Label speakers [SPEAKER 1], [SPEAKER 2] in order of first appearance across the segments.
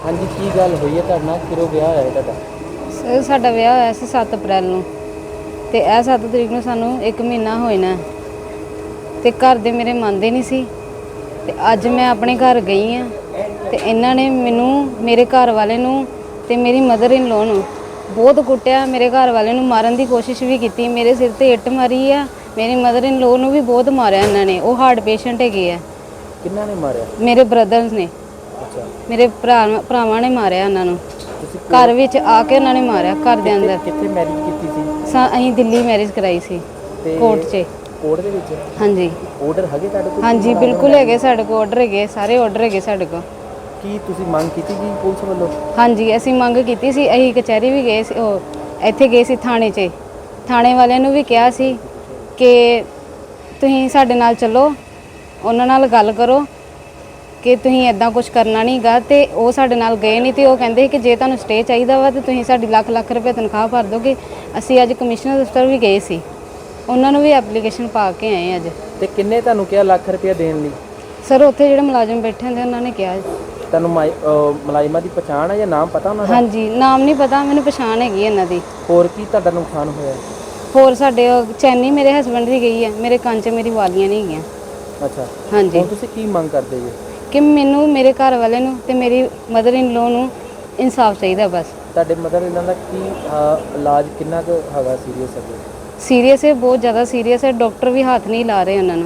[SPEAKER 1] हाँ जी की गल हुई है तुहाडे नाल किरों विआह होया तुहाडा?
[SPEAKER 2] ਸਰ ਸਾਡਾ ਵਿਆਹ ਹੋਇਆ ਸੀ 7 ਅਪ੍ਰੈਲ ਨੂੰ ਤੇ ਇਹ 7 ਤਰੀਕ ਨੂੰ ਸਾਨੂੰ 1 ਮਹੀਨਾ ਹੋਇਆ ਤੇ ਘਰ ਦੇ ਮੇਰੇ ਮੰਨਦੇ ਨਹੀਂ ਸੀ ਤੇ ਅੱਜ ਮੈਂ ਆਪਣੇ ਘਰ ਗਈ ਆ ਤੇ ਇਹਨਾਂ ਨੇ ਮੈਨੂੰ ਮੇਰੇ ਘਰ ਵਾਲੇ ਨੂੰ ਤੇ ਮੇਰੀ ਮਦਰ ਇਨ ਲੋ ਨੂੰ ਬਹੁਤ ਕੁੱਟਿਆ। ਮੇਰੇ ਘਰ ਵਾਲੇ ਨੂੰ ਮਾਰਨ ਦੀ ਕੋਸ਼ਿਸ਼ ਵੀ ਕੀਤੀ, ਮੇਰੇ ਸਿਰ ਤੇ ਇੱਟ ਮਾਰੀ ਆ। ਮੇਰੀ ਮਦਰ ਇਨ ਲੋ ਨੂੰ ਵੀ ਬਹੁਤ ਮਾਰਿਆ ਇਹਨਾਂ ਨੇ। ਉਹ ਹਾਰਟ ਪੇਸ਼ੈਂਟ ਹੈਗੇ ਆ।
[SPEAKER 1] ਕਿੰਨਾ ਨੇ ਮਾਰਿਆ?
[SPEAKER 2] ਮੇਰੇ ਬ੍ਰਦਰਸ ਨੇ।
[SPEAKER 1] ਅੱਛਾ,
[SPEAKER 2] ਮੇਰੇ ਭਰਾਵਾਂ ਨੇ ਮਾਰਿਆ ਉਹਨਾਂ ਨੂੰ। ਘਰ ਵਿੱਚ ਆ ਕੇ ਉਹਨਾਂ ਨੇ ਮਾਰਿਆ ਘਰ ਦੇ ਅੰਦਰ।
[SPEAKER 1] ਕਿੱਥੇ ਮੈਰਿਜ ਕੀਤੀ ਸੀ?
[SPEAKER 2] ਅਸੀਂ ਦਿੱਲੀ ਮੈਰਿਜ ਕਰਾਈ ਸੀ ਕੋਰਟ 'ਚ।
[SPEAKER 1] ਕੋਰਟ ਦੇ ਵਿੱਚ?
[SPEAKER 2] ਹਾਂਜੀ।
[SPEAKER 1] ਆਰਡਰ ਹੈਗੇ ਤੁਹਾਡੇ ਕੋਲ?
[SPEAKER 2] ਹਾਂਜੀ ਬਿਲਕੁਲ ਹੈਗੇ ਸਾਡੇ ਕੋਲ ਆਰਡਰ ਹੈਗੇ, ਸਾਰੇ ਆਰਡਰ ਹੈਗੇ ਸਾਡੇ ਕੋਲ।
[SPEAKER 1] ਕੀ ਤੁਸੀਂ ਮੰਗ ਕੀਤੀ ਜੀ ਪੁਲਿਸ ਵੱਲੋਂ?
[SPEAKER 2] ਹਾਂਜੀ ਅਸੀਂ ਮੰਗ ਕੀਤੀ ਸੀ। ਅਸੀਂ ਕਚਹਿਰੀ ਵੀ ਗਏ ਸੀ, ਉਹ ਇੱਥੇ ਗਏ ਸੀ ਥਾਣੇ 'ਚ। ਥਾਣੇ ਵਾਲਿਆਂ ਨੂੰ ਵੀ ਕਿਹਾ ਸੀ ਕਿ ਤੁਸੀਂ ਸਾਡੇ ਨਾਲ ਚੱਲੋ, ਉਹਨਾਂ ਨਾਲ ਗੱਲ ਕਰੋ ਕਿ ਤੁਸੀਂ ਇਦਾਂ ਕੁਝ ਕਰਨਾ ਨਹੀਂ ਗਾ। ਤੇ ਉਹ ਸਾਡੇ ਨਾਲ ਗਏ ਨਹੀਂ ਤੇ ਉਹ ਕਹਿੰਦੇ ਕਿ ਜੇ ਤੁਹਾਨੂੰ ਸਟੇ ਚਾਹੀਦਾ ਵਾ ਤੇ ਤੁਸੀਂ ਸਾਡੀ ਲੱਖ ਰੁਪਏ ਤਨਖਾਹ ਭਰ ਦੋਗੇ। ਅਸੀਂ ਅੱਜ ਕਮਿਸ਼ਨਰ ਦਫ਼ਤਰ ਵੀ ਗਏ ਸੀ, ਉਹਨਾਂ ਨੂੰ ਵੀ ਐਪਲੀਕੇਸ਼ਨ ਪਾ ਕੇ ਆਏ ਅੱਜ।
[SPEAKER 1] ਤੇ ਕਿੰਨੇ ਤੁਹਾਨੂੰ ਕਿਹਾ ਲੱਖ ਰੁਪਏ ਦੇਣ ਲਈ?
[SPEAKER 2] ਸਰ ਉੱਥੇ ਜਿਹੜੇ ਮੁਲਾਜ਼ਮ ਬੈਠੇ ਹੁੰਦੇ ਉਹਨਾਂ ਨੇ ਕਿਹਾ।
[SPEAKER 1] ਤੁਹਾਨੂੰ ਮੁਲਾਜ਼ਮਾਂ ਦੀ ਪਛਾਣ ਹੈ ਜਾਂ ਨਾਮ ਪਤਾ ਉਹਨਾਂ ਦਾ?
[SPEAKER 2] ਹਾਂਜੀ ਨਾਮ ਨਹੀਂ ਪਤਾ, ਮੈਨੂੰ ਪਛਾਣ ਹੈਗੀ ਇਹਨਾਂ ਦੀ।
[SPEAKER 1] ਹੋਰ ਕੀ ਤੁਹਾਡਾ ਨੁਕਸਾਨ ਹੋਇਆ?
[SPEAKER 2] ਹੋਰ ਸਾਡੇ ਚੈਨੀ ਮੇਰੇ ਹਸਬੰਡ ਦੀ ਗਈ ਹੈ, ਮੇਰੇ ਕੰਨ 'ਚ ਮੇਰੀ ਵਾਲੀਆਂ ਨਹੀਂ ਹੈਗੀਆਂ।
[SPEAKER 1] ਅੱਛਾ
[SPEAKER 2] ਹਾਂਜੀ।
[SPEAKER 1] ਹੁਣ ਤੁਸੀਂ ਕੀ ਮੰਗ ਕਰਦੇ ਜੀ?
[SPEAKER 2] ਕਿ ਮੈਨੂੰ ਮੇਰੇ ਘਰ ਵਾਲੇ ਨੂੰ ਤੇ ਮੇਰੀ ਮਦਰ ਇਨ ਲੋ ਨੂੰ ਇਨਸਾਫ ਚਾਹੀਦਾ ਬਸ।
[SPEAKER 1] ਤੁਹਾਡੇ ਮਦਰ ਇਹਨਾਂ ਦਾ ਕੀ ਇਲਾਜ ਕਿੰਨਾ ਕੁ ਹੈਗਾ ਸੀਰੀਅਸ ਹੈ?
[SPEAKER 2] ਸੀਰੀਅਸ ਹੈ, ਬਹੁਤ ਜ਼ਿਆਦਾ ਸੀਰੀਅਸ ਹੈ। ਡਾਕਟਰ ਵੀ ਹੱਥ ਨਹੀਂ ਲਾ ਰਹੇ ਉਹਨਾਂ ਨੂੰ।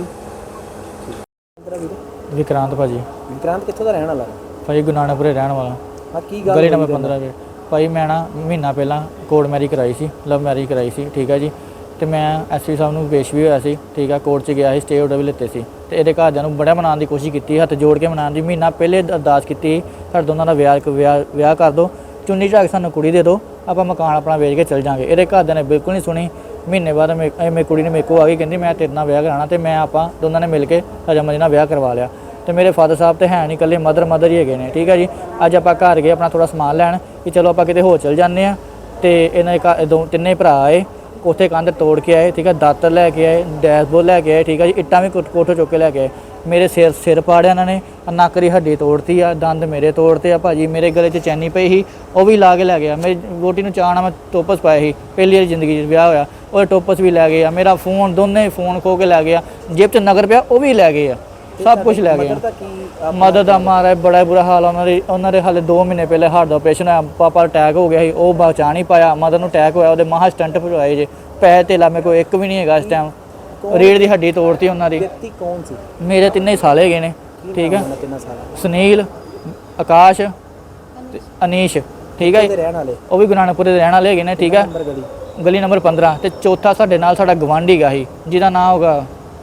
[SPEAKER 3] ਵਿਕਰਾਂਤ ਭਾਜੀ।
[SPEAKER 1] ਵਿਕਰਾਂਤ ਕਿੱਥੋਂ ਦਾ ਰਹਿਣ ਵਾਲਾ?
[SPEAKER 3] ਭਾਜੀ ਗੁਨਾਣਾਪੁਰੇ ਰਹਿਣ ਵਾਲਾ।
[SPEAKER 1] ਹਾਂ ਕੀ ਗੱਲ?
[SPEAKER 3] ਗਲੀ ਨੰਬਰ 15 ਵਿੱਚ। ਭਾਈ ਮੈਂ ਨਾ ਮਹੀਨਾ ਪਹਿਲਾਂ ਕੋਰਟ ਮੈਰਿਜ ਕਰਾਈ ਸੀ, ਲਵ ਮੈਰਿਜ ਕਰਾਈ ਸੀ, ਠੀਕ ਹੈ ਜੀ। ਤੇ ਮੈਂ ਐਸਪੀ ਸਾਹਿਬ ਨੂੰ ਪੇਸ਼ ਵੀ ਹੋਇਆ ਸੀ, ਠੀਕ ਆ। ਕੋਰਟ 'ਚ ਗਿਆ ਸੀ, ਸਟੇ ਆਰਡਰ ਵੀ ਲਿੱਤੇ ਸੀ। ਤੇ ਇਹਦੇ ਘਰਦਿਆਂ ਨੂੰ ਬੜਾ ਮਨਾਉਣ ਦੀ ਕੋਸ਼ਿਸ਼ ਕੀਤੀ, ਹੱਥ ਜੋੜ ਕੇ ਮਨਾਉਣ ਦੀ। ਮਹੀਨਾ ਪਹਿਲੇ ਅਰਦਾਸ ਕੀਤੀ ਸਾਡੇ ਦੋਨਾਂ ਦਾ ਵਿਆਹ ਕਰ ਦਿਓ, ਚੁੰਨੀ ਝਾਕ ਸਾਨੂੰ ਕੁੜੀ ਦੇ ਦਿਓ, ਆਪਾਂ ਮਕਾਨ ਆਪਣਾ ਵੇਚ ਕੇ ਚਲ ਜਾਵਾਂਗੇ। ਇਹਦੇ ਘਰਦਿਆਂ ਨੇ ਬਿਲਕੁਲ ਨਹੀਂ ਸੁਣੀ। ਮਹੀਨੇ ਬਾਅਦ ਮੇਰੀ ਕੁੜੀ ਨੇ ਮੇਰੇ ਕੋਲ ਆ ਗਈ, ਕਹਿੰਦੀ ਮੈਂ ਤੇਰੇ ਨਾਲ ਵਿਆਹ ਕਰਾਉਣਾ। ਤੇ ਮੈਂ ਆਪਾਂ ਦੋਨਾਂ ਨੇ ਮਿਲ ਕੇ ਰਜਾਮੰਦੀ ਨਾਲ ਵਿਆਹ ਕਰਵਾ ਲਿਆ। ਤੇ ਮੇਰੇ ਫਾਦਰ ਸਾਹਿਬ ਤੇ ਹੈ ਨਹੀਂ, ਇਕੱਲੇ ਮਦਰ ਹੀ ਹੈਗੇ ਨੇ, ਠੀਕ ਹੈ ਜੀ। ਅੱਜ ਆਪਾਂ ਘਰ ਗਏ ਆਪਣਾ ਥੋੜਾ ਸਮਾਨ ਲੈਣ ਕਿ ਚਲੋ ਆਪਾਂ ਕਿਤੇ ਹੋਰ ਚਲ ਜਾਂਦੇ ਹਾਂ। ਤੇ ਇਹਨਾਂ ਦੇ ਤਿੰਨੇ ਭਰਾ ਆਏ, ਉੱਥੇ ਕੰਧ ਤੋੜ ਕੇ ਆਏ, ਠੀਕ ਹੈ। ਦਾਤਰ ਲੈ ਕੇ ਆਏ, ਡੈਸ਼ਬੋਰਡ ਲੈ ਕੇ ਆਏ, ਠੀਕ ਹੈ ਜੀ। ਇੱਟਾਂ ਵੀ ਕੋਠੋਂ ਚੁੱਕ ਕੇ ਲੈ ਕੇ ਆਏ। ਮੇਰੇ ਸਿਰ ਪਾੜਿਆ ਇਹਨਾਂ ਨੇ, ਨੱਕ ਦੀ ਹੱਡੀ ਤੋੜਤੀ ਆ, ਦੰਦ ਮੇਰੇ ਤੋੜਤੇ ਆ ਭਾਜੀ। ਮੇਰੇ ਗਲੇ 'ਚ ਚੈਨੀ ਪਈ ਸੀ, ਉਹ ਵੀ ਲਾ ਕੇ ਲੈ ਗਿਆ। ਮੇਰੀ ਵੋਟੀ ਨੂੰ ਚਾਅ ਨਾਲ ਮੈਂ ਟੋਪਸ ਪਾਏ ਸੀ, ਪਹਿਲੀ ਵਾਰੀ ਜ਼ਿੰਦਗੀ 'ਚ ਵਿਆਹ ਹੋਇਆ, ਉਹ ਟੋਪਸ ਵੀ ਲੈ ਗਏ ਆ। ਮੇਰਾ ਫੋਨ, ਦੋਨੇ ਫੋਨ ਖੋ ਕੇ ਲੈ ਗਿਆ। ਜੇਬ 'ਚ ਨਗਰ ਪਿਆ ਉਹ ਵੀ ਲੈ ਗਏ ਆ, ਸਭ ਕੁਝ ਲੈ ਗਏ ਆ। ਮਦਦ ਦਾ ਮਾਰਾ ਬੜਾ ਬੁਰਾ ਹਾਲ ਆ ਉਹਨਾਂ ਦੇ ਹਾਲੇ 2 ਮਹੀਨੇ ਪਹਿਲੇ ਹਾਰਟ ਦਾ ਆਪਰੇਸ਼ਨ ਹੋਇਆ। ਪਾਪਾ ਅਟੈਕ ਹੋ ਗਿਆ ਸੀ, ਉਹ ਬਚਾ ਨਹੀਂ ਪਾਇਆ। ਮਦਰ ਨੂੰ ਅਟੈਕ ਹੋਇਆ, ਉਹਦੇ ਮਹਾ ਸਟੰਟ ਭਜਵਾਏ ਜੇ। ਪੈਸੇ ਧੇਲਾ ਮੇਰੇ ਕੋਲ ਇੱਕ ਵੀ ਨਹੀਂ ਹੈਗਾ ਇਸ ਟਾਈਮ। ਰੀੜ ਦੀ ਹੱਡੀ ਤੋੜਤੀ ਉਹਨਾਂ ਦੀ।
[SPEAKER 1] ਵਿਅਕਤੀ ਕੌਣ ਸੀ?
[SPEAKER 3] ਮੇਰੇ ਤਿੰਨੇ ਸਾਲ ਹੈਗੇ ਨੇ, ਠੀਕ ਹੈ। ਸੁਨੀਲ, ਆਕਾਸ਼ ਤੇ ਅਨੀਸ਼, ਠੀਕ ਹੈ। ਉਹ ਵੀ ਗੁਨਾਣਾਪੁਰੇ ਦੇ ਰਹਿਣ ਵਾਲੇ ਹੈਗੇ ਨੇ, ਠੀਕ ਹੈ। ਗਲੀ ਨੰਬਰ 15। ਤੇ ਚੌਥਾ ਸਾਡੇ ਨਾਲ ਸਾਡਾ ਗਵਾਂਢੀ ਗਾ ਸੀ, ਜਿਹਦਾ ਨਾਂ ਹੋਗਾ,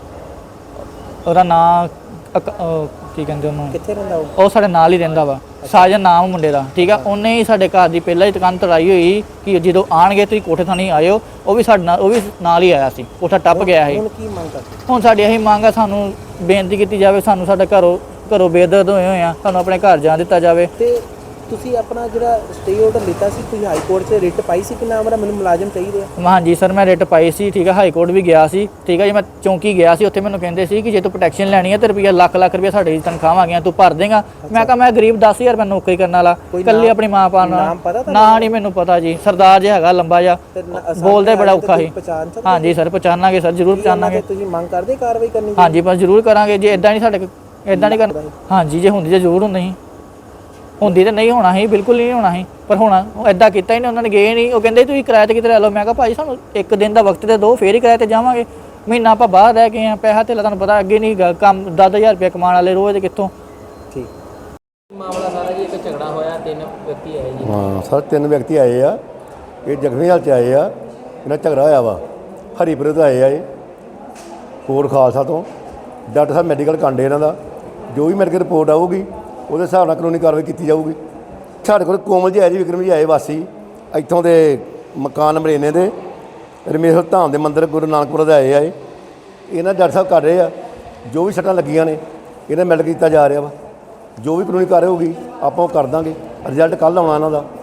[SPEAKER 3] ਉਹਦਾ ਨਾਂ ਕੀ ਕਹਿੰਦੇ ਉਹਨੂੰ,
[SPEAKER 1] ਕਿੱਥੇ ਰਹਿੰਦਾ
[SPEAKER 3] ਉਹ ਸਾਡੇ ਨਾਲ ਹੀ ਰਹਿੰਦਾ ਵਾ। ਸਾਜਨ ਨਾਮ ਮੁੰਡੇ ਦਾ, ਠੀਕ ਆ। ਉਹਨੇ ਹੀ ਸਾਡੇ ਘਰ ਦੀ ਪਹਿਲਾਂ ਹੀ ਦੁਕਾਨ ਤੜਾਈ ਹੋਈ ਕਿ ਜਦੋਂ ਆਣਗੇ ਤੁਸੀਂ ਕੋਠੇ ਥਾਣੀ ਆਇਓ। ਉਹ ਵੀ ਸਾਡੇ ਨਾਲ, ਉਹ ਵੀ ਨਾਲ ਹੀ ਆਇਆ ਸੀ, ਕੋਠਾ ਟੱਪ ਗਿਆ ਸੀ।
[SPEAKER 1] ਹੁਣ ਕੀ ਮੰਗ ਕਰਦੇ?
[SPEAKER 3] ਹੁਣ ਸਾਡੀ ਇਹੀ ਮੰਗ ਆ, ਸਾਨੂੰ ਬੇਨਤੀ ਕੀਤੀ ਜਾਵੇ, ਸਾਨੂੰ ਸਾਡਾ ਘਰੋਂ ਬੇਦਰਦ ਹੋਏ ਆ, ਸਾਨੂੰ ਆਪਣੇ ਘਰ ਜਾਣ ਦਿੱਤਾ ਜਾਵੇ।
[SPEAKER 1] ਤੇ ਤੁਸੀਂ ਆਪਣਾ ਜਿਹੜਾ ਸਟੇ ਆਰਡਰ ਲਿੱਤਾ ਸੀ, ਤੁਸੀਂ ਹਾਈ ਕੋਰਟ 'ਚ ਰਿਟ ਪਾਈ ਸੀ ਕਿ ਨਾ ਮੇਰਾ ਮੈਨੂੰ ਮੁਲਾਜ਼ਮ ਚਾਹੀਦੇ ਆ?
[SPEAKER 3] ਹਾਂਜੀ ਸਰ, ਮੈਂ ਰਿਟ ਪਾਈ ਸੀ, ਠੀਕ ਹੈ। ਹਾਈ ਕੋਰਟ ਵੀ ਗਿਆ ਸੀ, ਠੀਕ ਹੈ ਜੀ। ਮੈਂ ਚੌਂਕੀ ਗਿਆ ਸੀ, ਉੱਥੇ ਮੈਨੂੰ ਕਹਿੰਦੇ ਸੀ ਕਿ ਜੇ ਤੂੰ ਪ੍ਰੋਟੈਕਸ਼ਨ ਲੈਣੀ ਹੈ ਤੇ ਰੁਪਈਆ ਲੱਖ ਰੁਪਈਆ ਸਾਡੀ ਤਨਖਾਹਾਂ ਆ ਗਈਆਂ, ਤੂੰ ਭਰ ਦੇਗਾ। ਮੈਂ ਕਿਹਾ ਮੈਂ ਗਰੀਬ 10,000 ਰੁਪਏ ਨੌਕਰੀ ਕਰਨ ਵਾਲਾ, ਇਕੱਲੀ ਆਪਣੀ ਮਾਂ ਪਾਲਣਾ। ਨਾ ਨਹੀਂ ਮੈਨੂੰ ਪਤਾ ਜੀ, ਸਰਦਾਰ ਜਿਹਾ ਹੈਗਾ ਲੰਬਾ ਜਿਹਾ, ਬੋਲਦੇ ਬੜਾ ਔਖਾ ਸੀ। ਹਾਂਜੀ ਸਰ ਪਛਾਣਾਂਗੇ ਸਰ, ਜ਼ਰੂਰ ਪਛਾਣਾਂਗੇ।
[SPEAKER 1] ਤੁਸੀਂ ਮੰਗ ਕਰਦੇ ਕਾਰਵਾਈ ਕਰਨੀ?
[SPEAKER 3] ਹਾਂਜੀ ਬਸ ਜ਼ਰੂਰ ਕਰਾਂਗੇ। ਜੇ ਇਦਾਂ ਨਹੀਂ ਸਾਡੇ ਇਦਾਂ ਨਹੀਂ ਕਰਨਾ। ਹਾਂਜੀ ਜੇ ਹੁੰਦੀ ਤਾਂ ਜ਼ਰੂਰ ਹੁੰਦੀ ਤਾਂ ਨਹੀਂ ਹੋਣਾ ਸੀ, ਬਿਲਕੁਲ ਨਹੀਂ ਹੋਣਾ ਸੀ। ਪਰ ਹੁਣ ਉਹ ਇਦਾਂ ਕੀਤਾ ਹੀ ਨਹੀਂ, ਉਹਨਾਂ ਨੇ ਗਏ ਨਹੀਂ। ਉਹ ਕਹਿੰਦੇ ਤੁਸੀਂ ਕਿਰਾਏ 'ਤੇ ਕਿਤੇ ਲੈ ਲਓ। ਮੈਂ ਕਿਹਾ ਭਾਜੀ ਸਾਨੂੰ 1 ਦਿਨ ਦਾ ਵਕਤ ਤੇ ਦਿਓ, ਫੇਰ ਹੀ ਕਿਰਾਏ 'ਤੇ ਜਾਵਾਂਗੇ। ਮਹੀਨਾ ਆਪਾਂ ਬਾਹਰ ਰਹਿ ਗਏ ਆ, ਪੈਸਾ ਧੇਲਾ ਤੁਹਾਨੂੰ ਪਤਾ ਅੱਗੇ ਨਹੀਂ ਗਾ, ਕੰਮ 10,000 ਰੁਪਏ ਕਮਾਉਣ ਵਾਲੇ ਰੋਜ਼ ਦੇ ਕਿੱਥੋਂ। ਠੀਕ
[SPEAKER 1] ਮਾਮਲਾ ਸਾਰਾ ਜੀ, ਇੱਕ ਝਗੜਾ ਹੋਇਆ, 3 ਵਿਅਕਤੀ ਆਏ ਜੀ।
[SPEAKER 4] ਹਾਂ ਸਰ, 3 ਵਿਅਕਤੀ ਆਏ ਆ, ਇਹ ਜ਼ਖਮੀ ਹਾਲਤ 'ਚ ਆਏ ਆ। ਇਹਨਾਂ ਝਗੜਾ ਹੋਇਆ ਵਾ, ਹਰੀਪੁਰ ਤੋਂ ਆਏ ਆ ਇਹ, ਕੋਟ ਖਾਲਸਾ ਤੋਂ। ਡਾਕਟਰ ਸਾਹਿਬ ਮੈਡੀਕਲ ਕਾਂਡੇ ਇਹਨਾਂ ਦਾ, ਜੋ ਵੀ ਮੈਡੀਕਲ ਰਿਪੋਰਟ ਆਊਗੀ ਉਹਦੇ ਹਿਸਾਬ ਨਾਲ ਕਾਨੂੰਨੀ ਕਾਰਵਾਈ ਕੀਤੀ ਜਾਊਗੀ। ਸਾਡੇ ਕੋਲ ਕੋਮਲ ਜੀ ਆਏ ਜੀ, ਵਿਕਰਮ ਜੀ ਆਏ, ਵਾਸੀ ਇੱਥੋਂ ਦੇ ਮਕਾਨ ਨੰਬਰ ਇੰਨੇ ਦੇ ਰਮੇਸ਼ਰ ਧਾਮ ਦੇ ਮੰਦਿਰ ਗੁਰੂ ਨਾਨਕਪੁਰ ਦੇ ਆਏ ਆ। ਇਹਨਾਂ ਡਾਕਟਰ ਸਾਹਿਬ ਕਰ ਰਹੇ ਆ, ਜੋ ਵੀ ਸੱਟਾਂ ਲੱਗੀਆਂ ਨੇ ਇਹਨਾਂ ਮੈਡੀਕਲ ਕੀਤਾ ਜਾ ਰਿਹਾ ਵਾ। ਜੋ ਵੀ ਕਾਨੂੰਨੀ ਕਾਰਵਾਈ ਹੋਊਗੀ ਆਪਾਂ ਉਹ ਕਰ ਦਾਂਗੇ। ਰਿਜ਼ਲਟ ਕੱਲ੍ਹ ਆਉਣਾ ਇਹਨਾਂ ਦਾ।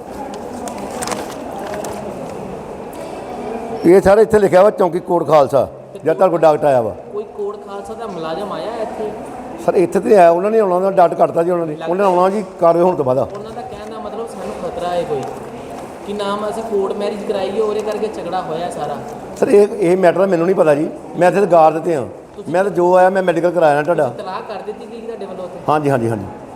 [SPEAKER 4] ਇਹ ਸਾਰੇ ਇੱਥੇ ਲਿਖਿਆ ਵਾ ਚੌਂਕੀ ਕੋਟ ਖਾਲਸਾ, ਜਦ ਤੱਕ ਕੋਈ ਡਾਕਟਰ ਆਇਆ ਵਾ।
[SPEAKER 1] ਕੋਈ ਕੋਟ ਖਾਲਸਾ ਦਾ ਮੁਲਾਜ਼ਮ ਆਇਆ ਇੱਥੇ?
[SPEAKER 4] ਸਰ ਇੱਥੇ ਤੇ ਆਇਆ, ਉਹਨਾਂ ਨੇ ਆਉਣਾ, ਉਹਨਾਂ ਦਾ ਡਾਟ ਕੱਟਤਾ ਜੀ ਉਹਨਾਂ ਨੇ ਆਉਣਾ ਜੀ ਕਾਰਵਾਈ ਹੋਣ ਤੋਂ ਬਾਅਦ।
[SPEAKER 1] ਉਹਨਾਂ ਦਾ ਕਹਿਣ ਹੈ ਕੋਈ ਕਿ ਨਾਮ ਅਸੀਂ ਕੋਰਟ ਮੈਰਿਜ ਕਰਾਈ ਹੈ ਉਹਦੇ ਕਰਕੇ ਝਗੜਾ ਹੋਇਆ ਸਾਰਾ।
[SPEAKER 4] ਸਰ ਇਹ ਮੈਟਰ ਮੈਨੂੰ ਨਹੀਂ ਪਤਾ ਜੀ, ਮੈਂ ਇੱਥੇ ਗਾਰ ਦਿੱਤੇ ਹਾਂ, ਮੈਂ ਤਾਂ ਜੋ ਆਇਆ ਮੈਂ ਮੈਡੀਕਲ ਕਰਾਇਆ ਨਾ ਤੁਹਾਡਾ।
[SPEAKER 1] ਤਲਾਕ ਕਰ ਦਿੱਤੀ ਗਈ ਤੁਹਾਡੇ ਵੱਲੋਂ ਉੱਥੇ?
[SPEAKER 4] ਹਾਂਜੀ ਹਾਂਜੀ ਹਾਂਜੀ।